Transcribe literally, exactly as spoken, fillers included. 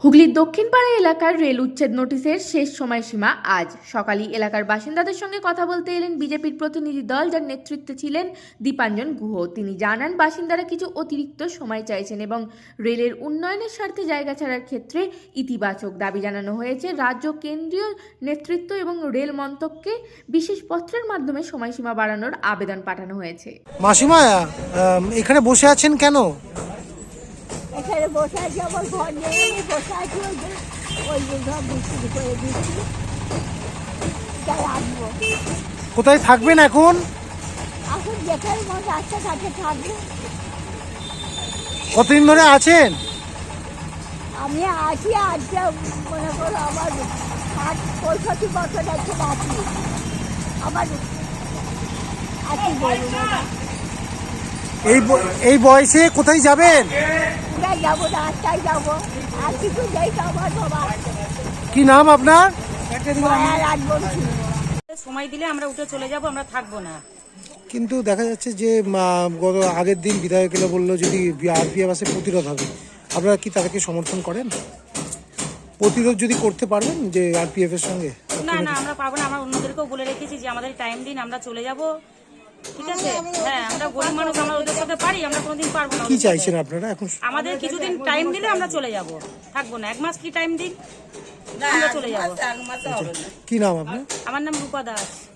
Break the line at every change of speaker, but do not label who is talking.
হুগলির দক্ষিণপাড়া এলাকার রেল উচ্ছেদ নোটিশের শেষ সময়সীমা আজ সকালে এলাকার বাসিন্দাদের সঙ্গে কথা বলতে এলেন বিজেপির প্রতিনিধি দল, যার নেতৃত্বে ছিলেন দীপাঞ্জন গুহ। তিনি জানান, বাসিন্দারা কিছু অতিরিক্ত সময় চাইছেন এবং রেলের উন্নয়নের স্বার্থে জায়গা ছাড়ার ক্ষেত্রে ইতিবাচক দাবি জানানো হয়েছে। রাজ্য কেন্দ্রীয় নেতৃত্ব এবং রেল মন্ত্রককে বিশেষ পত্রের মাধ্যমে সময়সীমা বাড়ানোর আবেদন পাঠানো হয়েছে।
মাসিমা, এখানে বসে আছেন কেন?
এখানে বসে আছি, আমার ঘর নেই, আমি বসে আছি। ওই যে ঘর বিক্রি করে দিচ্ছি, তাই আসবো।
কোথায় থাকবেন এখন?
এখন যেখানে মন রাস্তা ঘাটে থাকবো।
কতদিন ধরে আছেন?
আমি আছি আজকে, মনে করো আমার ষাট পঁয়ষট্টি বছর আছে বাকি আমার আছি। বলুন
এই এই বয়সে কোথায় যাবেন?
কোথায় যাবো? রাস্তায় যাবো, আর কিছু যাই তো আমার বাবা।
কি নাম আপনার?
মায়া রাত বলছি।
সময় দিলে আমরা উঠে চলে যাব, আমরা থাকবো না।
কিন্তু দেখা যাচ্ছে যে আহ, গত আগের দিন বিধায়ক এলে বললো যদি আরপিএফ আসে প্রতিরোধ হবে। আপনারা কি তাদেরকে সমর্থন করেন? প্রতিরোধ যদি করতে পারবেন যে আরপিএফ এর সঙ্গে?
না না, আমরা পারবো না। আমরা অন্যদেরকেও বলে রেখেছি যে আমাদের টাইম দিন, আমরা চলে যাব। ঠিক আছে, হ্যাঁ, আমরা গরিব মানুষ, আমরা ওদের সাথে পারি, আমরা কোনোদিন পারবো না।
কি চাইছেন আপনারা এখন?
আমাদের কিছুদিন টাইম দিলে আমরা চলে যাব, থাকবো না। এক মাস কি টাইম দিন, আমরা চলে যাব।
কি নাম আপনার?
আমার নাম রূপা দাস।